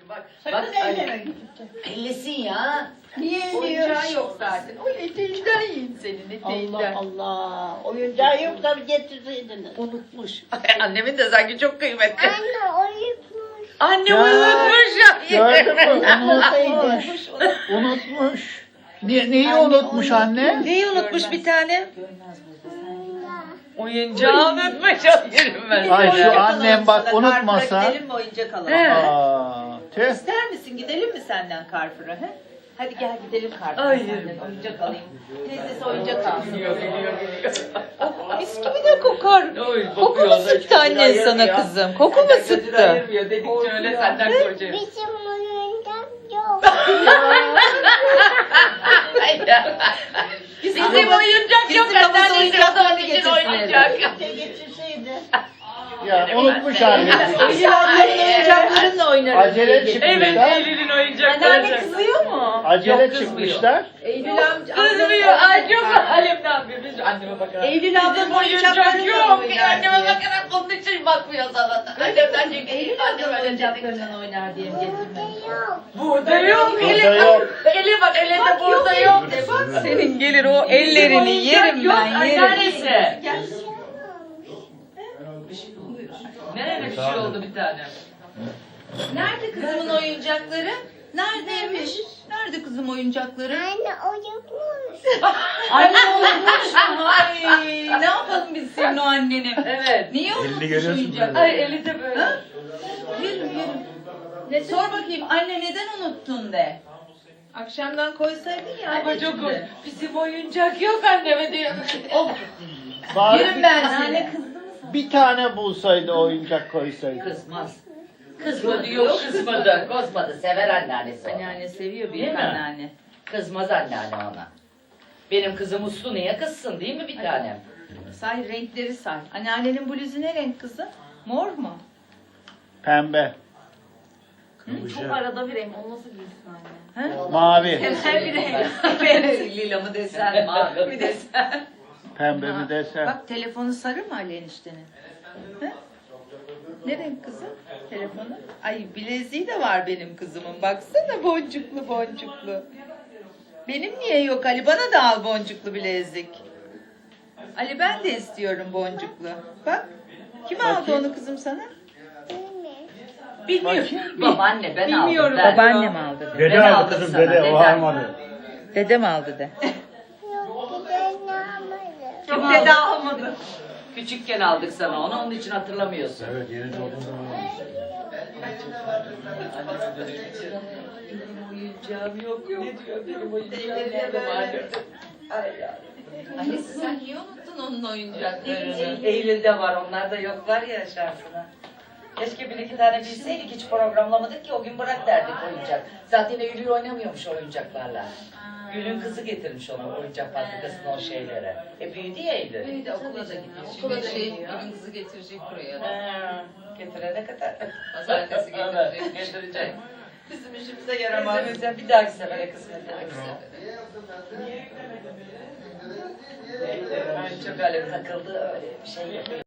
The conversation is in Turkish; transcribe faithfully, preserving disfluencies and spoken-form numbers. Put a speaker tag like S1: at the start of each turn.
S1: bak.
S2: Sakın
S1: Bak
S2: elleme.
S1: ellesin ya.
S2: Niye
S1: Oyuncağı
S2: eliyorsun?
S1: yok zaten. O eteğinden yiyin senin eteğinden.
S2: Allah Allah. Oyuncağı yok da getirseydiniz.
S1: Unutmuş. Annemin de sanki çok kıymetli.
S3: Anne uyutmuş.
S1: Anne
S4: Ya,
S1: unutmuş ya.
S4: Gördün mü?
S2: Unutmuş.
S4: Unutmuş. Unutmuş. Ne, neyi unutmuş anne?
S1: Neyi unutmuş bir tane?
S3: Anne.
S1: Oyuncağı unutmuş. Yerim ben
S4: Ay
S1: seni.
S4: şu annem bak
S5: Sana
S4: unutmasa.
S5: Carrefour'a gidelim mi oyuncak alalım?
S1: He.
S4: Aa, tüh.
S5: İster misin gidelim mi senden Carrefour'a? He? Hadi gel gidelim Carrefour'a
S1: Ay.
S5: senden oyuncak alayım. Teyzesi oyuncak alsın.
S1: Geliyor, geliyor, geliyor.
S5: Oh, mis gibi de kokar.
S1: Oy,
S5: Koku
S1: kokuyor,
S5: mu
S1: da
S5: sıktı
S1: hiç gözünü
S5: annen sana
S1: ayırmıyor.
S5: kızım? Koku mu
S1: Senden gözünü
S5: sıktı?
S1: ayırmıyor. Dedikçe öyle senden korkuyor.
S3: Bizim oyuncak yok.
S1: Bizim oyuncak yok.
S5: bizim havuz
S1: Anneanne
S5: oyuncaklarını
S1: onun için oyuncak.
S2: Şey getirseydi.
S4: Ya unutmuş anne.
S5: Eylül ablanın oyuncaklarınla oynarız.
S4: Acele
S5: diye
S4: çıkmışlar.
S1: Evet, Eylül'ün oyuncakları.
S5: Anneanne kızıyor mu?
S4: Acele
S1: Yok, kızmıyor.
S4: çıkmışlar.
S5: Eylül amca.
S1: Kızmıyor. Ay çok halimden bir biz anneme bakarak.
S5: Eylül ablanın
S1: Bizim oyuncak
S5: oyuncaklarıyla
S1: yok.
S5: oynar
S1: Anneme
S5: diye.
S1: bakarak onun için bakmıyor sana da. Annemden çekildi.
S5: Eylül ablanın oyuncaklarıyla oynar diye mi getirmek?
S3: Burada yok.
S1: Burada yok.
S4: Burada
S1: Ele
S4: yok.
S1: Ele bak, elinde
S5: Bak,
S1: burada
S5: yok,
S1: yok.
S5: elinde, bak.
S1: Senin gelir o ellerini yerim ben, yerim. Annesi.
S5: Gel.
S1: Nereye bir şey oldu bir tane?
S5: Nerede kızımın oyuncakları? Neredeymiş? Nerede kızım oyuncakları?
S3: Anne uyutmuş.
S5: Anne unutmuş mu? Ay, ne yapalım biz senin o anneni?
S1: Evet.
S5: Niye unutmuş
S4: görüyorsun
S5: oyuncakları?
S1: Ay eli de böyle.
S5: Ha? Yerim yerim. Ne, sor bakayım anne neden unuttun de. Akşamdan koysaydın ya.
S1: Ama çok
S5: anneciğim de.
S1: bizim oyuncak yok anneme diyor.
S5: Oh,
S4: Bari
S5: yerim ben
S4: bir,
S5: seni.
S4: bir tane bulsaydı oyuncak koysaydı.
S1: Kızmaz. Kızmadı yok kızmadı. Kızmadı. Sever anneannesi onu.
S5: Anneanne seviyor
S1: Değil
S5: büyük
S1: mi?
S5: anneanne.
S1: Kızmaz anneanne ona. Benim kızım uslu niye kızsın değil mi bir tanem?
S5: Say renkleri say. Anneannenin bluzu ne renk kızım? Mor mu?
S4: Pembe,
S6: Çok arada bir renk. Onu nasıl giysin anne?
S5: Ha?
S4: mavi.
S5: Her bir renk. Lila mı desen, mavi mi desen.
S4: Pembe
S5: Ha,
S4: mi desem.
S5: Bak telefonu sarı mı Ali eniştenin? Ha? Ne renk kızım telefonu? Ay bileziği de var benim kızımın. Baksana boncuklu boncuklu. Benim niye yok Ali? Bana da al boncuklu bilezik. Ali ben de istiyorum boncuklu. Bak. Kim aldı
S4: Bakayım.
S5: onu kızım sana?
S1: Bilmiyorum. Babaanne ben aldım.
S5: Bilmiyorum.
S1: Ben.
S5: Babaannem aldı de.
S4: Dede
S1: Ben
S4: aldı
S1: aldım
S4: kızım
S1: sana,
S4: dede, o
S1: deden.
S4: almadı.
S5: Dedem aldı de.
S3: Yok bir tane almadım.
S1: Kim
S5: Yok, dede
S1: aldı? Küçükken aldık sana onu, onun için hatırlamıyorsun.
S4: Evet yeni doğduğun zaman.
S1: Benim oyuncağım yok. Ne diyor benim oyuncağım nerede var? Ay ya.
S5: Annesi sen niye unuttun onun oyuncaklarını?
S1: Eylül'de var, onlar da yoklar ya şansına. Keşke bir iki tane bilseydik, hiç programlamadık ki o gün bırak derdik oyuncak. Zaten Eylül oynamıyormuş oyuncaklarla. Gül'ün kızı getirmiş ona oyuncak fabrikasına o şeylere. E büyüdü ya Eylül.
S5: Bir de okula da gidiyor.
S6: Okula da
S5: şey,
S6: gidiyor.
S5: bugün kızı getirecek buraya.
S1: Ha, getirene kadar.
S5: Pazartesi getirecek.
S1: Getirecek.
S5: Bizim işimize yaramaz.
S1: Bizim bir dahaki sefere kısmet. Ay çok öyle takıldı öyle bir şey yapıyor.